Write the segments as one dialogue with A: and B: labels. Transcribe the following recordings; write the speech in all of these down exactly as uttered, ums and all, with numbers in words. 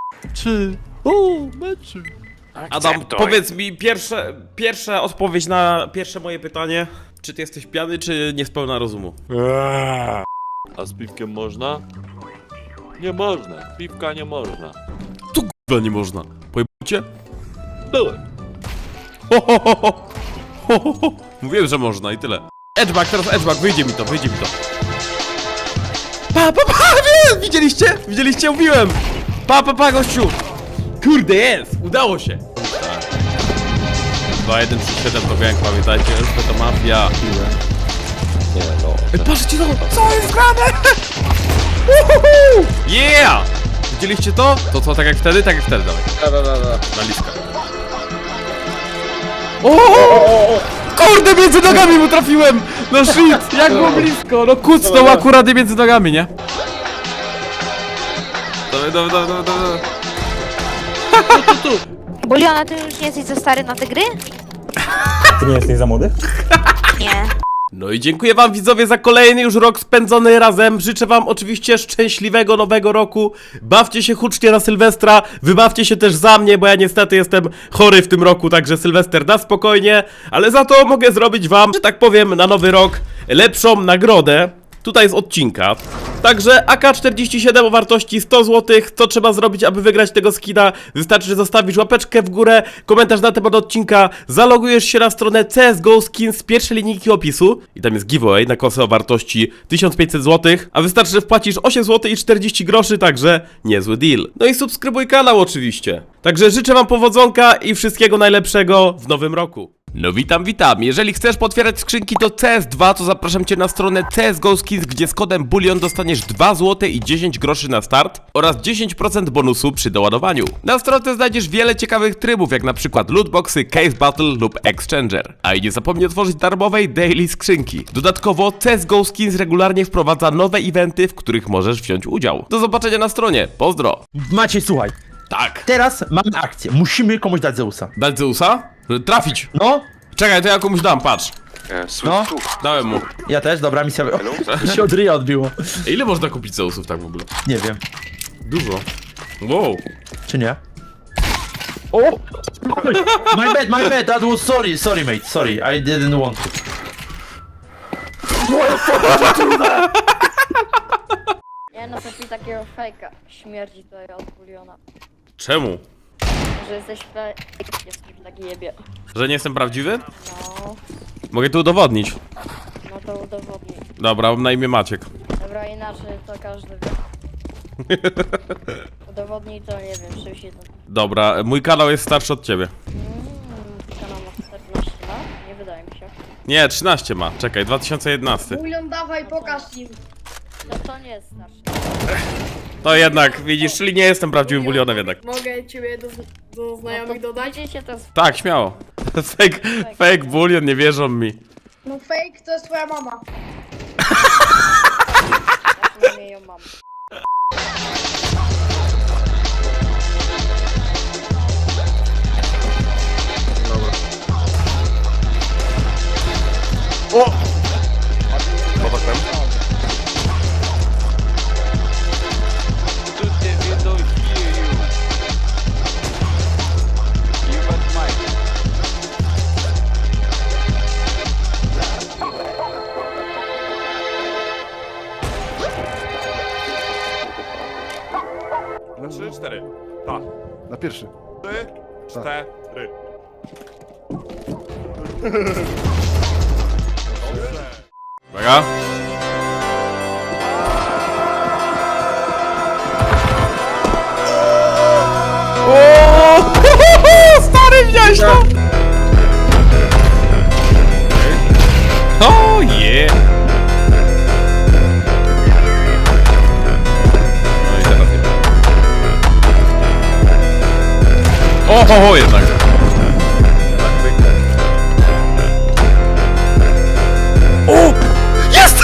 A: Czy... O, meczy.
B: Adam, powiedz mi pierwsze, pierwsza odpowiedź na pierwsze moje pytanie. Czy ty jesteś pijany, czy niespełna rozumu?
C: A z piwkiem można? Nie można, piwka nie można.
B: Tu g***a nie można. Pojebujcie?
C: Byłem.
B: Ho, ho, ho, ho. Ho, ho, ho. Mówiłem, że można i tyle. Edgeback, teraz edgeback, wyjdzie mi to, wyjdzie mi to. Pa, pa, pa, nie! Widzieliście? Widzieliście? Mówiłem! Pa, pa, pa, gościu! Kurde, jest! Udało się! dwa jeden trzy siedem to gang, pamiętajcie, że to mafia.
C: Nie no.
B: Ej, patrzcie to! Co jest grane? Uhuhu! Yeah! Widzieliście to? To co, tak jak wtedy? Tak jak wtedy, dawaj.
C: Da, da, da, da.
B: Na listę. O! Kurde, między nogami mu trafiłem! No shit, jak było blisko! No kucnął akurat między nogami, nie? Dawaj, dawaj, dawaj, dawaj, dawaj.
D: Buliona, ty już nie jesteś za stary na te gry?
E: Ty nie jesteś za młody?
D: Nie.
B: No i dziękuję wam widzowie za kolejny już rok spędzony razem. Życzę wam oczywiście szczęśliwego nowego roku. Bawcie się hucznie na Sylwestra. Wybawcie się też za mnie, bo ja niestety jestem chory w tym roku, także Sylwester na spokojnie. Ale za to mogę zrobić wam, że tak powiem, na nowy rok lepszą nagrodę. Tutaj z odcinka. Także A K czterdzieści siedem o wartości sto złotych. Co trzeba zrobić, aby wygrać tego skina? Wystarczy, że zostawisz łapeczkę w górę, komentarz na temat odcinka, zalogujesz się na stronę C S G O Skins z pierwszej linijki opisu i tam jest giveaway na kosę o wartości tysiąc pięćset złotych, a wystarczy, że wpłacisz osiem złotych i czterdzieści groszy, także niezły deal. No i subskrybuj kanał oczywiście. Także życzę wam powodzonka i wszystkiego najlepszego w nowym roku. No witam, witam. Jeżeli chcesz potwierać skrzynki do C S dwa, to zapraszam cię na stronę C S G O Skins, gdzie z kodem Bulion dostaniesz dwa złote i dziesięć groszy na start oraz dziesięć procent bonusu przy doładowaniu. Na stronie znajdziesz wiele ciekawych trybów, jak na przykład lootboxy, case battle lub exchanger. A i nie zapomnij otworzyć darmowej daily skrzynki. Dodatkowo C S G O Skins regularnie wprowadza nowe eventy, w których możesz wziąć udział. Do zobaczenia na stronie. Pozdro.
E: Maciej, słuchaj.
B: Tak.
E: Teraz mamy akcję. Musimy komuś dać Zeusa.
B: Dać Zeusa? Trafić.
E: No,
B: Czekaj, to ja komuś dam, patrz.
E: no.
B: Dałem mu.
E: Ja też, dobra misja. O, się od ryja odbiło.
B: Ile można kupić Zeusów tak w ogóle?
E: Nie wiem.
B: Dużo. Wow.
E: Czy nie? O! My bad, my bad, that was sorry, sorry mate, sorry, I didn't want to.
F: Nie no, to ci takiego fejka. Śmierdzi tutaj od buliona.
B: Czemu?
F: Że jesteś fake, jesteś taki jebie.
B: Że nie jestem prawdziwy?
F: No,
B: Mogę to udowodnić.
F: no to udowodnij.
B: Dobra, mam na imię Maciek.
F: Dobra, inaczej to każdy wie. Udowodnij to, nie wiem, czymś jednym.
B: Dobra, mój kanał jest starszy od ciebie.
F: Mm, kanał ma czternaście lat? Nie wydaje mi się.
B: Nie, trzynaście ma. Czekaj, dwa tysiące jedenasty.
G: Bulion, dawaj, pokaż im.
F: No to nie jest starszy.
B: To jednak, widzisz, czyli nie jestem prawdziwym bulionem jednak.
G: Mogę ciebie do, do znajomych dodać?
F: Widzicie, to jest
B: Tak, śmiało. Fake, fake bulion, nie wierzą mi.
G: No fake to jest twoja mama.
F: jak mnie ją mam.
B: O!
C: Na trzy, cztery. Tak.
H: Na pierwszy.
C: Trzy, cztery.
B: Uwaga. O! Stary, widziałeś to? O je! No i teraz nie. O, ho, ho, jednak. O! Jest!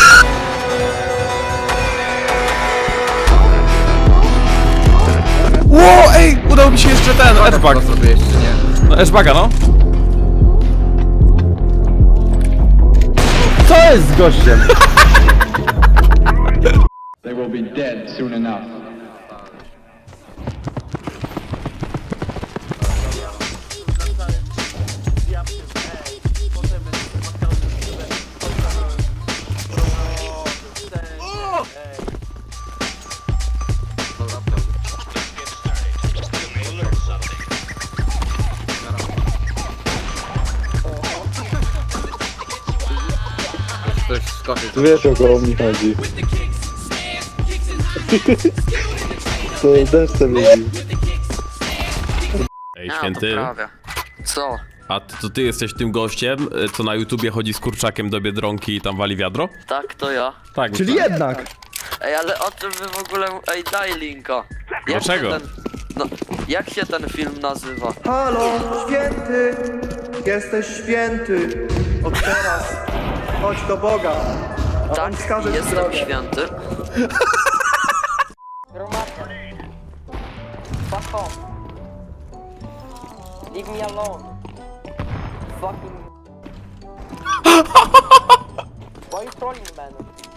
B: Ło, ej! Udało mi się jeszcze ten, edgebag. No, edgebaga, no.
E: Co jest z gościem?
I: They will be dead soon enough.
H: skoczyć.
A: Wiesz o kogo mi chodzi. To deszcze lubi.
B: Ej, święty,
H: Co?
B: a ty, to ty jesteś tym gościem, y, co na YouTubie chodzi z kurczakiem do Biedronki i tam wali wiadro?
H: Tak, to ja.
B: Tak.
A: Czyli
B: tak.
A: jednak.
H: Ej, ale o czym wy w ogóle... Ej, daj linka. Jak
B: Dlaczego?
H: się Ten... No, jak się ten film nazywa?
I: Halo, święty! Jesteś święty! Od teraz chodź do Boga, a On
H: Tak,
I: wskaże ci
H: jestem
I: drogę.
H: święty.
F: Gromadnie. Fuck off. Leave me alone. Fucking... Why you trolling, man?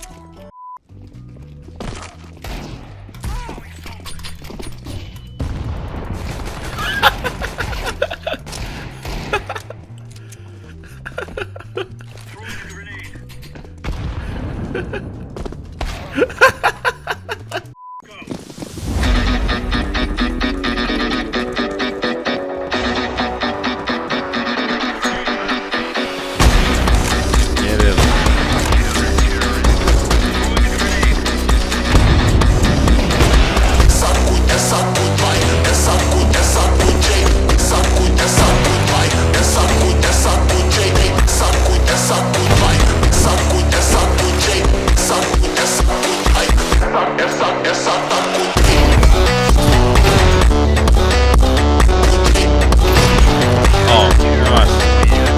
B: Nie wiem. O, właśnie.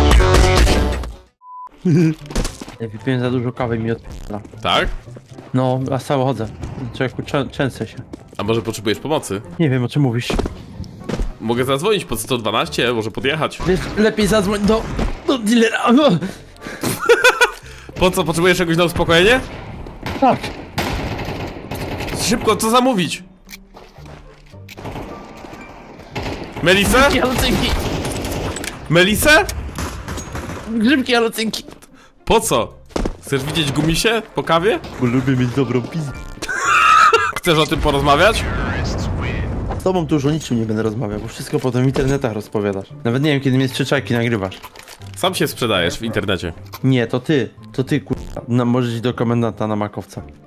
E: Ja wypiłem za dużo kawy i mi odpala.
B: Tak?
E: No, a cały chodzę. Człowieku, czę- częsę się.
B: A może potrzebujesz pomocy?
E: Nie wiem, o czym mówisz.
B: Mogę zadzwonić pod sto dwanaście, może podjechać.
E: Wiesz, lepiej zadzwoń do... do dealera. No.
B: Po co? Potrzebujesz czegoś na uspokojenie?
E: Tak.
B: Szybko, co zamówić? Melisę?
E: Halucynki.
B: Melisę?
E: Grzybki halucynki.
B: Po co? Chcesz widzieć gumisie po kawie?
E: Bo lubię mieć dobrą pizdę.
B: Chcesz o tym porozmawiać?
E: Z tobą tu już o niczym nie będę rozmawiał, bo wszystko potem w internetach rozpowiadasz. Nawet nie wiem, kiedy mnie z przyczajki nagrywasz.
B: Sam się sprzedajesz w internecie.
E: Nie, to ty. To ty, kurwa. No, możesz iść do komendanta na makowca.